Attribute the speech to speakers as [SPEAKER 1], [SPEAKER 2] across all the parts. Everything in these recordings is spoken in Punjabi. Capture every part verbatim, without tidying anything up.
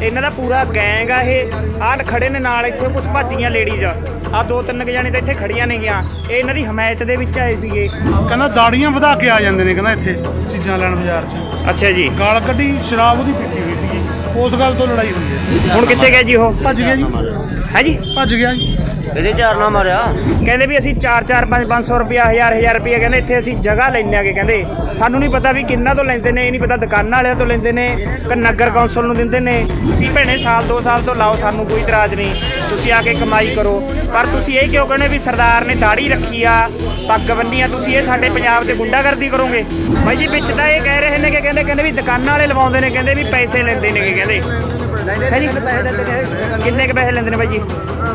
[SPEAKER 1] ਇਹਨਾਂ ਦਾ ਪੂਰਾ ਗੈਂਗ ਆ। ਇਹ ਆਹ ਖੜੇ ਨੇ ਨਾਲ, ਇੱਥੇ ਕੁਝ ਭੱਜੀਆਂ ਲੇਡੀਜ਼ ਆ, ਦੋ ਤਿੰਨ ਕੁ ਜਾਣੇ ਤਾਂ ਇੱਥੇ ਖੜੀਆਂ ਨੇਗੀਆਂ। ਇਹ ਇਹਨਾਂ ਦੀ ਹਮਾਇਤ ਦੇ ਵਿੱਚ ਆਏ ਸੀਗੇ।
[SPEAKER 2] ਕਹਿੰਦਾ ਦਾੜੀਆਂ ਵਧਾ ਕੇ ਆ ਜਾਂਦੇ ਨੇ, ਕਹਿੰਦਾ ਇੱਥੇ ਚੀਜ਼ਾਂ ਲੈਣ ਬਾਜ਼ਾਰ 'ਚ।
[SPEAKER 1] ਅੱਛਾ ਜੀ।
[SPEAKER 2] ਗਾਲ ਕੱਢੀ, ਸ਼ਰਾਬ ਉਹਦੀ ਪੀਤੀ ਹੋਈ ਸੀਗੀ, ਉਸ ਗੱਲ ਤੋਂ ਲੜਾਈ ਹੋਈ ਹੈ।
[SPEAKER 1] ਹੁਣ ਕਿੱਥੇ ਗਿਆ ਜੀ ਉਹ?
[SPEAKER 2] ਭੱਜ ਗਿਆ ਜੀ।
[SPEAKER 1] ਹੈ ਜੀ,
[SPEAKER 2] ਭੱਜ ਗਿਆ ਜੀ।
[SPEAKER 3] ਇਹਦੇ ਚਾਰ ਨਾ ਮਾਰਿਆ।
[SPEAKER 1] ਕਹਿੰਦੇ ਵੀ ਅਸੀਂ ਚਾਰ ਚਾਰ ਪੰਜ ਪੰਜ ਸੌ ਰੁਪਇਆ ਹਜ਼ਾਰ ਹਜ਼ਾਰ ਰੁਪਇਆ ਕਹਿੰਦੇ ਇੱਥੇ ਅਸੀਂ ਜਗ੍ਹਾ ਲੈਂਦੇ ਆਗੇ। ਕਹਿੰਦੇ ਸਾਨੂੰ ਨਹੀਂ ਪਤਾ ਵੀ ਕਿੰਨਾ ਤੋਂ ਲੈਂਦੇ ਨੇ, ਇਹ ਨਹੀਂ ਪਤਾ ਦੁਕਾਨਾਂ ਵਾਲਿਆਂ ਤੋਂ ਲੈਂਦੇ ਨੇ ਕਿ ਨਗਰ ਕੌਂਸਲ ਨੂੰ ਦਿੰਦੇ ਨੇ। ਤੁਸੀਂ ਭੈਣੇ ਸਾਲ ਦੋ ਸਾਲ ਤੋਂ ਲਾਓ, ਸਾਨੂੰ ਕੋਈ ਇਤਰਾਜ਼ ਨਹੀਂ, ਤੁਸੀਂ ਆ ਕੇ ਕਮਾਈ ਕਰੋ। ਪਰ ਤੁਸੀਂ ਇਹ ਕਿਉਂ ਕਹਿੰਦੇ ਵੀ ਸਰਦਾਰ ਨੇ ਦਾੜੀ ਰੱਖੀ ਆ, ਪੱਗ ਬੰਨੀ ਆ, ਤੁਸੀਂ ਇਹ ਸਾਡੇ ਪੰਜਾਬ ਤੇ ਗੁੰਡਾਗਰਦੀ ਕਰੋਗੇ? ਬਾਈ ਜੀ ਵਿੱਚ ਤਾਂ ਇਹ ਕਹਿ ਰਹੇ ਨੇ ਕਿ ਕਹਿੰਦੇ ਕਹਿੰਦੇ ਵੀ ਦੁਕਾਨਾਂ ਵਾਲੇ ਲਵਾਉਂਦੇ ਨੇ, ਕਹਿੰਦੇ ਵੀ ਪੈਸੇ ਲੈਂਦੇ ਨੇ। ਕਹਿੰਦੇ ਹੈ ਜੀ, ਕਿੰਨੇ ਕੁ ਪੈਸੇ ਲੈਂਦੇ ਨੇ ਬਾਈ ਜੀ?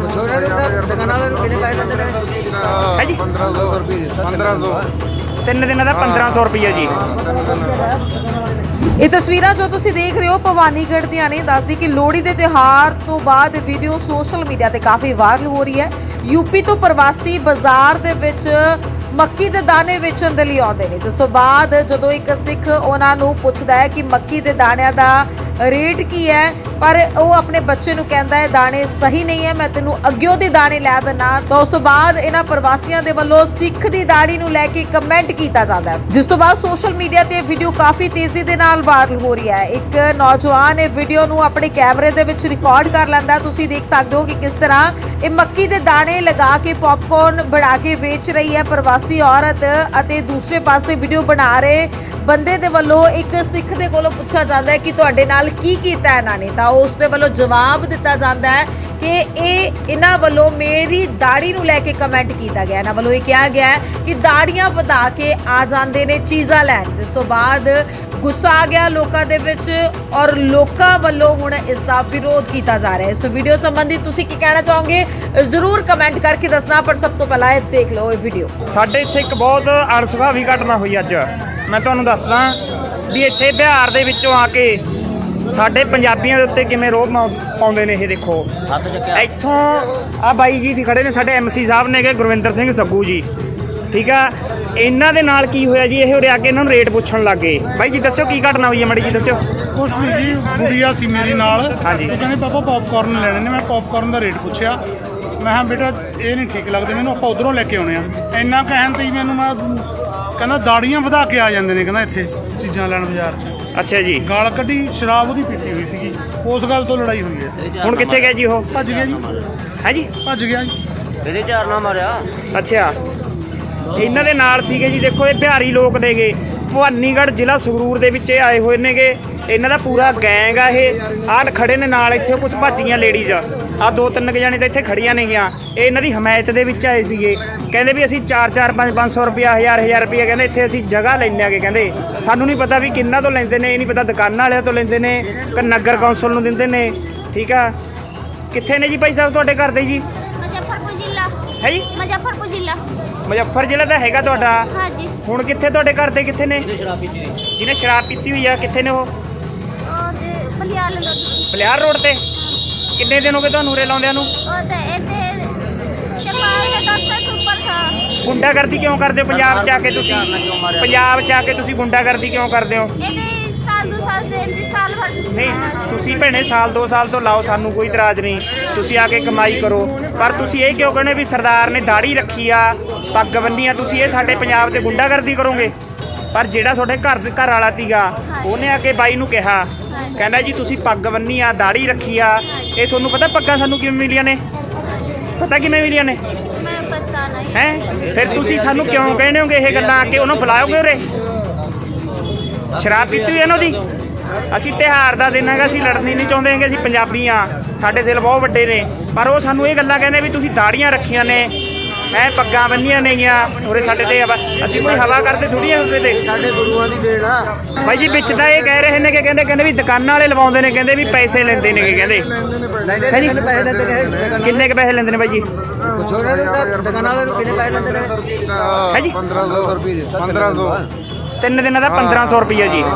[SPEAKER 1] ਹੈ ਜੀ, ਤਿੰਨ ਦਿਨਾਂ ਦਾ ਪੰਦਰਾਂ ਸੌ ਰੁਪਈਆ ਜੀ।
[SPEAKER 4] ਇਹ ਤਸਵੀਰਾਂ ਜੋ ਤੁਸੀਂ ਦੇਖ ਰਹੇ ਹੋ ਭਵਾਨੀਗੜ੍ਹ ਦੀਆਂ ਨੇ। ਦੱਸਦੀ ਕਿ ਲੋਹੜੀ ਦੇ ਤਿਉਹਾਰ ਤੋਂ ਬਾਅਦ ਵੀਡੀਓ ਸੋਸ਼ਲ ਮੀਡੀਆ ਤੇ ਕਾਫੀ ਵਾਇਰਲ ਹੋ ਰਹੀ ਹੈ। ਯੂਪੀ ਤੋਂ ਪ੍ਰਵਾਸੀ ਬਾਜ਼ਾਰ ਦੇ ਵਿੱਚ ਮੱਕੀ ਦੇ ਦਾਣੇ ਵੇਚਣ ਦੇ ਲਈ ਆਉਂਦੇ ਨੇ, ਜਿਸ ਤੋਂ ਬਾਅਦ ਜਦੋਂ ਇੱਕ ਸਿੱਖ ਉਹਨਾਂ ਨੂੰ ਪੁੱਛਦਾ ਹੈ ਕਿ ਮੱਕੀ ਦੇ ਦਾਣਿਆਂ ਦਾ ਰੇਟ ਕੀ ਹੈ, ਪਰ ਉਹ ਆਪਣੇ ਬੱਚੇ ਨੂੰ ਕਹਿੰਦਾ ਹੈ ਦਾਣੇ ਸਹੀ ਨਹੀਂ ਹੈ, ਮੈਂ ਤੈਨੂੰ ਅੱਗਿਓਂ ਦੇ ਦਾਣੇ ਲੈ ਦਿੰਨਾ। ਤਾਂ ਉਸ ਤੋਂ ਬਾਅਦ ਇਹਨਾਂ ਪ੍ਰਵਾਸੀਆਂ ਦੇ ਵੱਲੋਂ ਸਿੱਖ ਦੀ ਦਾੜੀ ਨੂੰ ਲੈ ਕੇ ਕਮੈਂਟ ਕੀਤਾ ਜਾਂਦਾ ਹੈ, ਜਿਸ ਤੋਂ ਬਾਅਦ ਸੋਸ਼ਲ ਮੀਡੀਆ ਤੇ ਵੀਡੀਓ ਕਾਫੀ ਤੇਜ਼ੀ ਦੇ ਨਾਲ ਵਾਇਰਲ ਹੋ ਰਹੀ ਹੈ। ਇੱਕ ਨੌਜਵਾਨ ਇਹ ਵੀਡੀਓ ਨੂੰ ਆਪਣੇ ਕੈਮਰੇ ਦੇ ਵਿੱਚ ਰਿਕਾਰਡ ਕਰ ਲੈਂਦਾ। ਤੁਸੀਂ ਦੇਖ ਸਕਦੇ ਹੋ ਕਿ ਕਿਸ ਤਰ੍ਹਾਂ ਇਹ ਮੱਕੀ ਦੇ ਦਾਣੇ ਲਗਾ ਕੇ ਪੌਪਕੌਰਨ ਬਣਾ ਕੇ ਵੇਚ ਰਹੀ ਹੈ ਪ੍ਰਵਾਸੀ ਔਰਤ, ਅਤੇ ਦੂਸਰੇ ਪਾਸੇ ਵੀਡੀਓ ਬਣਾ ਰਹੇ ਬੰਦੇ ਦੇ ਵੱਲੋਂ ਇੱਕ ਸਿੱਖ ਦੇ ਕੋਲੋਂ ਪੁੱਛਿਆ ਜਾਂਦਾ ਹੈ ਕਿ ਤੁਹਾਡੇ ਨਾਲ ਕੀ ਕੀਤਾ ਇਹਨਾਂ ਨੇ, ਤਾਂ ਉਸ ਦੇ ਵੱਲੋਂ ਜਵਾਬ ਦਿੱਤਾ ਜਾਂਦਾ ਹੈ ਕਿ ਇਹ ਇਹਨਾਂ ਵੱਲੋਂ ਮੇਰੀ ਦਾੜੀ ਨੂੰ ਲੈ ਕੇ ਕਮੈਂਟ ਕੀਤਾ ਗਿਆ। ਇਹਨਾਂ ਵੱਲੋਂ ਇਹ ਕਿਹਾ ਗਿਆ ਹੈ ਕਿ ਦਾੜੀਆਂ ਵਧਾ ਕੇ ਆ ਜਾਂਦੇ ਨੇ ਚੀਜ਼ਾਂ ਲੈਣ, ਜਿਸ ਤੋਂ ਬਾਅਦ ਗੁੱਸਾ ਆ ਗਿਆ ਲੋਕਾਂ ਦੇ ਵਿੱਚ ਔਰ ਲੋਕਾਂ ਵੱਲੋਂ ਹੁਣ ਇਸ ਦਾ ਵਿਰੋਧ ਕੀਤਾ ਜਾ ਰਿਹਾ ਹੈ। ਇਸ ਵੀਡੀਓ ਸੰਬੰਧੀ ਤੁਸੀਂ ਕੀ ਕਹਿਣਾ ਚਾਹੋਗੇ ਜ਼ਰੂਰ ਕਮੈਂਟ ਕਰਕੇ ਦੱਸਣਾ, ਪਰ ਸਭ ਤੋਂ ਪਹਿਲਾਂ ਇਹ ਦੇਖ ਲਓ ਇਹ ਵੀਡੀਓ।
[SPEAKER 1] ਸਾਡੇ ਇੱਥੇ ਇੱਕ ਬਹੁਤ ਅਣਸੁਖਾਵੀ ਘਟਨਾ ਹੋਈ ਅੱਜ। ਮੈਂ ਤੁਹਾਨੂੰ ਦੱਸਦਾ ਵੀ ਇੱਥੇ ਬਿਹਾਰ ਦੇ ਵਿੱਚੋਂ ਆ ਕੇ ਸਾਡੇ ਪੰਜਾਬੀਆਂ ਦੇ ਉੱਤੇ ਕਿਵੇਂ ਰੋਹ ਪਾਉਂਦੇ ਨੇ। ਇਹ ਦੇਖੋ ਇੱਥੋਂ ਆ ਬਾਈ ਜੀ ਖੜੇ ਨੇ, ਸਾਡੇ ਐਮ ਸੀ ਸਾਹਿਬ ਨੇ, ਗੁਰਵਿੰਦਰ ਸਿੰਘ ਸੱਗੂ ਜੀ, ਠੀਕ ਆ। ਇਹਨਾਂ ਦੇ ਨਾਲ ਕੀ ਹੋਇਆ ਜੀ, ਇਹ ਉਰੇ ਆ ਕੇ ਇਹਨਾਂ ਨੂੰ ਰੇਟ ਪੁੱਛਣ ਲੱਗ ਗਏ। ਬਾਈ ਜੀ ਦੱਸਿਓ ਕੀ ਘਟਨਾ ਹੋਈ ਹੈ, ਮਾੜੀ ਜੀ ਦੱਸਿਓ।
[SPEAKER 2] ਕੁਛ ਨਹੀਂ ਜੀ, ਗੁੜੀਆ ਸੀ ਮੇਰੀ ਨਾਲ।
[SPEAKER 1] ਹਾਂਜੀ।
[SPEAKER 2] ਉਹ ਕਹਿੰਦੇ ਪਾਪਾ ਪੌਪਕੌਰਨ ਲੈਣੇ ਨੇ। ਮੈਂ ਪੌਪਕੌਰਨ ਦਾ ਰੇਟ ਪੁੱਛਿਆ, ਮੈਂ ਕਿਹਾ ਬੇਟਾ ਇਹ ਨਹੀਂ ਠੀਕ ਲੱਗਦੇ ਮੈਨੂੰ, ਆਪਾਂ ਉਧਰੋਂ ਲੈ ਕੇ ਆਉਣੇ ਆ। ਇੰਨਾ ਕਹਿਣ ਤੇ ਹੀ ਮੈਨੂੰ ਮੈਂ ਕਹਿੰਦਾ ਦਾੜੀਆਂ ਵਧਾ ਕੇ ਆ ਜਾਂਦੇ ਨੇ, ਕਹਿੰਦਾ ਇੱਥੇ ਚੀਜ਼ਾਂ ਲੈਣ ਬਾਜ਼ਾਰ 'ਚ।
[SPEAKER 1] ਅੱਛਾ ਜੀ।
[SPEAKER 2] ਗਾਲ ਕੱਢੀ, ਸ਼ਰਾਬ ਉਹਦੀ ਪੀਤੀ ਹੋਈ ਸੀਗੀ, ਉਸ ਗੱਲ ਤੋਂ ਲੜਾਈ ਹੋਈ ਹੈ।
[SPEAKER 1] ਹੁਣ ਕਿੱਥੇ ਗਿਆ ਜੀ ਉਹ?
[SPEAKER 2] ਭੱਜ ਗਿਆ ਜੀ।
[SPEAKER 1] ਹੈ ਜੀ,
[SPEAKER 2] ਭੱਜ ਗਿਆ ਜੀ।
[SPEAKER 3] ਇਹਦੇ ਚਾਰ ਨਾ ਮਾਰਿਆ।
[SPEAKER 1] ਅੱਛਾ, ਇਹਨਾਂ ਦੇ ਨਾਲ ਸੀਗੇ ਜੀ। ਦੇਖੋ ਇਹ ਬਿਹਾਰੀ ਲੋਕ ਨੇਗੇ, ਭਵਾਨੀਗੜ੍ਹ ਜ਼ਿਲ੍ਹਾ ਸੰਗਰੂਰ ਦੇ ਵਿੱਚ ਇਹ ਆਏ ਹੋਏ ਨੇਗੇ। ਇਹਨਾਂ ਦਾ ਪੂਰਾ ਗੈਂਗ ਆ। ਇਹ ਆਹ ਖੜੇ ਨੇ ਨਾਲ, ਇੱਥੇ ਕੁਝ ਭੱਜੀਆਂ ਲੇਡੀਜ਼ ਆ, ਦੋ ਤਿੰਨ ਕੁ ਜਾਣੇ ਤਾਂ ਇੱਥੇ ਖੜੀਆਂ ਨੇਗੀਆਂ। ਇਹ ਇਹਨਾਂ ਦੀ ਹਮਾਇਤ ਦੇ ਵਿੱਚ ਆਏ ਸੀਗੇ। ਕਹਿੰਦੇ ਵੀ ਅਸੀਂ ਚਾਰ ਚਾਰ ਪੰਜ ਪੰਜ ਸੌ ਰੁਪਇਆ ਹਜ਼ਾਰ ਹਜ਼ਾਰ ਰੁਪਇਆ ਕਹਿੰਦੇ ਇੱਥੇ ਅਸੀਂ ਜਗ੍ਹਾ ਲੈਂਦੇ ਆਗੇ। ਕਹਿੰਦੇ ਸਾਨੂੰ ਨਹੀਂ ਪਤਾ ਵੀ ਕਿੰਨਾ ਤੋਂ ਲੈਂਦੇ ਨੇ, ਇਹ ਨਹੀਂ ਪਤਾ ਦੁਕਾਨਾਂ ਵਾਲਿਆਂ ਤੋਂ ਲੈਂਦੇ ਨੇ ਕਿ ਨਗਰ ਕੌਂਸਲ ਨੂੰ ਦਿੰਦੇ ਨੇ, ਠੀਕ ਆ। ਕਿੱਥੇ ਨੇ ਜੀ ਭਾਈ ਸਾਹਿਬ ਤੁਹਾਡੇ ਘਰ ਦੇ ਜੀ?
[SPEAKER 5] ਮੁਜ਼ੱਫਰਪੁਰ ਜ਼ਿਲ੍ਹਾ
[SPEAKER 1] ਹੈ ਜੀ।
[SPEAKER 5] ਮੁਜ਼ੱਫਰਪੁਰ ਜ਼ਿਲ੍ਹਾ।
[SPEAKER 1] ਮੁਜ਼ੱਫਰ ਜ਼ਿਲ੍ਹਾ ਦਾ ਹੈਗਾ ਤੁਹਾਡਾ?
[SPEAKER 5] ਹਾਂਜੀ।
[SPEAKER 1] ਹੁਣ ਕਿੱਥੇ ਤੁਹਾਡੇ ਘਰ ਦੇ ਕਿੱਥੇ ਨੇ?
[SPEAKER 3] ਸ਼ਰਾਬ ਪੀਤੀ ਹੋਈ।
[SPEAKER 1] ਜਿਹਨੇ ਸ਼ਰਾਬ ਪੀਤੀ ਹੋਈ ਆ, ਕਿੱਥੇ ਨੇ ਉਹ?
[SPEAKER 5] ਉਹ ਤੇ ਬਲਿਆਲ ਰੋਡ।
[SPEAKER 1] ਬਲਿਆਰ ਰੋਡ ਤੇ। ਕਿੰਨੇ ਦਿਨ ਹੋ ਗਏ ਤੁਹਾਨੂੰ ਉਰੇ ਲਾਉਂਦਿਆਂ ਨੂੰ?
[SPEAKER 5] ਉਹ ਤੇ ਇੱਥੇ ਚਪਾਈ ਦੇ ਦਸਤੇ ਸੁਪਰ ਥਾ।
[SPEAKER 1] ਗੁੰਡਾਗਰਦੀ ਕਿਉਂ ਕਰਦੇ ਹੋ ਪੰਜਾਬ 'ਚ ਆ ਕੇ ਤੁਸੀਂ? ਪੰਜਾਬ 'ਚ ਆ ਕੇ ਤੁਸੀਂ ਗੁੰਡਾਗਰਦੀ ਕਿਉਂ ਕਰਦੇ ਹੋ?
[SPEAKER 5] ਇਹਦੇ ਸਾਲ ਦੋ ਸਾਲ ਦੇ ਇਹਦੇ ਸਾਲ ਭਰ
[SPEAKER 1] ਨਹੀਂ, ਤੁਸੀਂ ਭੈਣੇ ਸਾਲ ਦੋ ਸਾਲ ਤੋਂ ਲਾਓ, ਸਾਨੂੰ ਕੋਈ ਇਤਰਾਜ਼ ਨਹੀਂ, ਤੁਸੀਂ ਆ ਕੇ ਕਮਾਈ ਕਰੋ। ਪਰ ਤੁਸੀਂ ਇਹ ਕਿਉਂ ਕਹਿੰਦੇ ਵੀ ਸਰਦਾਰ ਨੇ ਦਾੜੀ ਰੱਖੀ ਆ, ਪੱਗ ਬੰਨੀ ਆ, ਤੁਸੀਂ ਇਹ ਸਾਡੇ ਪੰਜਾਬ ਤੇ ਗੁੰਡਾਗਰਦੀ ਕਰੋਗੇ? ਪਰ ਜਿਹੜਾ ਤੁਹਾਡੇ ਘਰ ਘਰ ਵਾਲਾ ਸੀਗਾ, ਉਹਨੇ ਆ ਕੇ ਬਾਈ ਨੂੰ ਕਿਹਾ, ਕਹਿੰਦਾ ਜੀ ਤੁਸੀਂ ਪੱਗ ਬੰਨੀ ਆ, ਦਾੜੀ ਰੱਖੀ ਆ, ਇਹ ਤੁਹਾਨੂੰ ਪਤਾ ਪੱਗਾਂ ਸਾਨੂੰ ਕਿਵੇਂ ਮਿਲੀਆਂ ਨੇ? ਪਤਾ ਕਿਵੇਂ ਮਿਲੀਆਂ ਨੇ?
[SPEAKER 5] ਮੈਂ ਪਤਾ ਨਹੀਂ
[SPEAKER 1] ਹੈ। ਫਿਰ ਤੁਸੀਂ ਸਾਨੂੰ ਕਿਉਂ ਕਹਿੰਦੇ ਹੋਗੇ ਇਹ ਗੱਲਾਂ? ਆ ਕੇ ਉਹਨੂੰ ਬੁਲਾਓਗੇ ਉਰੇ? ਸ਼ਰਾਬ ਪੀਤੀ ਹੋਈ ਇਹਨਾਂ ਦੀ। ਅਸੀਂ ਤਿਉਹਾਰ ਦਾ ਦਿਨ ਹੈਗਾ, ਅਸੀਂ ਲੜਨੀ ਨਹੀਂ ਚਾਹੁੰਦੇ ਹੈਗੇ, ਅਸੀਂ ਪੰਜਾਬੀ ਆ, ਸਾਡੇ ਦਿਲ ਬਹੁਤ ਵੱਡੇ ਨੇ। ਪਰ ਉਹ ਸਾਨੂੰ ਇਹ ਗੱਲਾਂ ਕਹਿੰਦੇ ਵੀ ਤੁਸੀਂ ਦਾੜੀਆਂ ਰੱਖੀਆਂ ਨੇ, ਐ ਪੱਗਾਂ ਬੰਨੀਆਂ ਨੇਗੀਆਂ ਉਰੇ ਸਾਡੇ ਤੇ। ਅਸੀਂ ਕੋਈ ਹਵਾ ਕਰਦੇ ਥੋੜੀ ਆ ਉਰੇ ਤੇ,
[SPEAKER 3] ਸਾਡੇ ਗੁਰੂਆਂ ਦੀ ਦੇਣ ਆ
[SPEAKER 1] ਬਾਈ ਜੀ। ਵਿੱਚ ਤਾਂ ਇਹ ਕਹਿ ਰਹੇ ਨੇ ਕਿ ਕਹਿੰਦੇ ਕਹਿੰਦੇ ਵੀ ਦੁਕਾਨਾਂ ਵਾਲੇ ਲਵਾਉਂਦੇ ਨੇ, ਕਹਿੰਦੇ ਵੀ ਪੈਸੇ ਲੈਂਦੇ ਨੇ। ਕਹਿੰਦੇ
[SPEAKER 3] ਲੈਂਦੇ ਨੇ ਪੈਸੇ ਲੈਂਦੇ ਨੇ।
[SPEAKER 1] ਕਿੰਨੇ ਕੁ ਪੈਸੇ ਲੈਂਦੇ ਨੇ ਬਾਈ ਜੀ?
[SPEAKER 3] ਛੋਟੇ ਦੁਕਾਨਾਂ ਵਾਲੇ ਨੂੰ ਕਿੰਨੇ ਪੈਸੇ ਲੈਂਦੇ ਨੇ?
[SPEAKER 1] ਹੈ ਜੀ,
[SPEAKER 6] ਪੰਦਰਾਂ ਸੌ ਰੁਪਏ। ਪੰਦਰਾਂ ਸੌ
[SPEAKER 1] ਤਿੰਨ ਦਿਨਾਂ ਦਾ ਪੰਦਰਾਂ ਸੌ ਰੁਪਈਆ ਜੀ।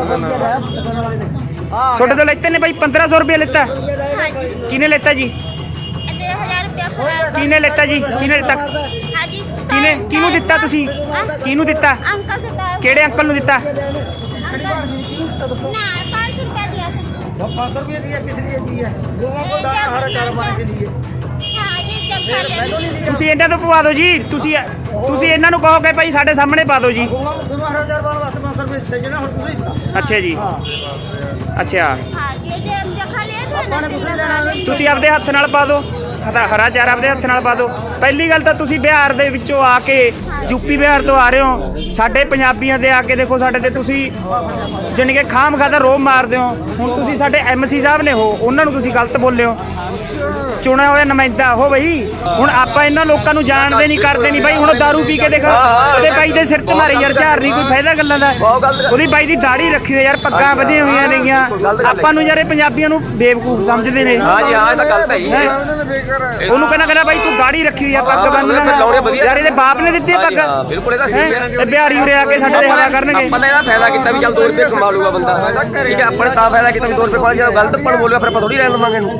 [SPEAKER 1] ਛੋਟੇ ਤੋਂ ਲੈਤੇ ਨੇ ਬਾਈ ਪੰਦਰਾਂ ਸੌ ਰੁਪਇਆ ਲੈਤਾ।
[SPEAKER 5] ਹਾਂਜੀ।
[SPEAKER 1] ਕਿਹਨੇ ਲੈਤਾ ਜੀ?
[SPEAKER 5] ਇਹਦੇ ਹਜ਼ਾਰ ਰੁਪਇਆ ਫੜਾ।
[SPEAKER 1] ਕਿਹਨੇ ਲੈਤਾ ਜੀ? ਕਿਹਨੇ ਲੈਤਾ?
[SPEAKER 5] ਹਾਂਜੀ।
[SPEAKER 1] ਕਿਹਨੇ ਕਿਹਨੂੰ ਦਿੱਤਾ ਤੁਸੀਂ? ਕਿਹਨੂੰ ਦਿੱਤਾ?
[SPEAKER 5] ਅੰਕਲ ਸੇ ਤਾਂ
[SPEAKER 1] ਕਿਹੜੇ ਅੰਕਲ ਨੂੰ ਦਿੱਤਾ?
[SPEAKER 5] ਅੰਕਲ ਨਾ पाँच सौ रुपया दिया था।
[SPEAKER 3] पाँच सौ रुपये दिए किस लिए दिए लोगों को दाना हरा चारा पाने के लिए
[SPEAKER 5] हाँ जी जब खा लेते
[SPEAKER 1] ਤੁਸੀਂ ਇਹਨਾਂ ਤੋਂ ਪਵਾ ਦਿਓ ਜੀ ਤੁਸੀਂ ਤੁਸੀਂ ਇਹਨਾਂ ਨੂੰ ਕਹੋ ਕਿ ਭਾਈ ਸਾਡੇ ਸਾਹਮਣੇ ਪਾ ਦਿਓ ਜੀ
[SPEAKER 3] लोगों को हरा चारा पाने वास्ते पाँच सौ रुपये चाहिए ना हम दूसरी
[SPEAKER 1] ਅੱਛਾ ਜੀ ਅੱਛਾ
[SPEAKER 5] हाँ ये जो हम जो खा लेते हैं ना
[SPEAKER 3] अपने दूसरी लेना
[SPEAKER 1] ਤੁਸੀਂ ਆਪਦੇ ਹੱਥ ਨਾਲ ਪਾ ਦਿਓ ਹਰਾ- ਹਰਾ ਚਾਰਾ ਆਪਦੇ ਹੱਥ ਨਾਲ ਪਾ ਦਿਓ ਪਹਿਲੀ ਗੱਲ ਤਾਂ ਤੁਸੀਂ ਬਿਹਾਰ ਦੇ ਵਿੱਚੋਂ ਆ ਕੇ ਯੂਪੀ ਬਿਹਾਰ ਤੋਂ ਆ ਰਹੇ ਹੋ ਸਾਡੇ ਪੰਜਾਬੀਆਂ ਦੇ ਆ ਕੇ ਦੇਖੋ ਸਾਡੇ ਤੇ ਤੁਸੀਂ ਜਾਣੀ ਕਿ ਖਾਮ ਖਾਦਾ ਰੋਬ ਮਾਰਦੇ ਹੋ ਹੁਣ ਤੁਸੀਂ ਸਾਡੇ ਐਮਸੀ ਸਾਹਿਬ ਨੇ ਹੋ ਉਹਨਾਂ ਨੂੰ ਤੁਸੀਂ ਗਲਤ ਬੋਲੇ ਹੋ ਚੁਣਿਆ ਹੋਇਆ ਨੁਮਾਇੰਦਾ ਹੋ ਬਈ ਹੁਣ ਆਪਾਂ ਇਹਨਾਂ ਲੋਕਾਂ ਨੂੰ ਜਾਣਦੇ ਨਹੀਂ ਕਰਦੇ ਨਹੀਂ ਬਾਈ ਹੁਣ ਦਾਰੂ ਪੀ ਕੇ ਦੇਖ ਉਹਦੇ ਬਾਈ ਦੇ ਸਿਰ 'ਚ ਮਾਰੇ ਯਾਰ ਝਾਰ ਨਹੀਂ ਕੋਈ ਫਾਇਦਾ ਗੱਲਾਂ ਦਾ ਉਹਦੀ ਬਾਈ ਦੀ ਦਾੜੀ ਰੱਖੀ ਹੋਈ ਯਾਰ ਪੱਗਾਂ ਵਧੀਆਂ ਹੋਈਆਂ ਨੇਗੀਆਂ ਆਪਾਂ ਨੂੰ ਯਾਰ ਇਹ ਪੰਜਾਬੀਆਂ ਨੂੰ ਬੇਵਕੂਫ ਸਮਝਦੇ ਨੇ
[SPEAKER 7] ਹਾਂ ਜੀ ਹਾਂ ਇਹ ਤਾਂ ਗਲਤ ਹੈ ਜੀ
[SPEAKER 1] ਹੈਂ? ਉਹਨੂੰ ਕਹਿੰਦਾ ਕਹਿੰਦਾ ਬਾਈ ਤੂੰ ਦਾੜੀ ਰੱਖੀ ਹੋਈ ਆ ਪੱਗ ਬੰਨ੍ਹਣਾ ਯਾਰ ਇਹਦੇ ਬਾਪ ਨੇ ਦਿੱਤੀ ਆ ਪੱਗ
[SPEAKER 7] ਹਾਂ, ਬਿਲਕੁਲ ਇਹਦਾ
[SPEAKER 1] ਹੈਂ?
[SPEAKER 7] ਸਹੀ ਹੈ
[SPEAKER 1] ਇਹ ਬਿਹਾਰੀ ਉਰੇ ਆ ਕੇ ਸਾਡੇ ਤੇ ਹਵਾ ਕਰਨਗੇ
[SPEAKER 7] ਆਪਾਂ ਨੇ ਇਹਦਾ ਫਾਇਦਾ ਕੀਤਾ ਵੀ ਚੱਲ ਦੋ ਰੁਪਏ ਕਮਾ ਲੂਗਾ ਬੰਦਾ ਠੀਕ ਹੈ ਆਪਾਂ ਨੇ ਤਾਂ ਫਾਇਦਾ ਕੀਤਾ ਵੀ ਦੋ ਰੁਪਏ ਕੋਲ ਜਦੋਂ ਗਲਤ ਪਣ ਬੋਲਿਆ ਫਿਰ ਆਪਾਂ ਥੋੜੀ ਲੈ ਲਵਾਂਗੇ ਇਹਨੂੰ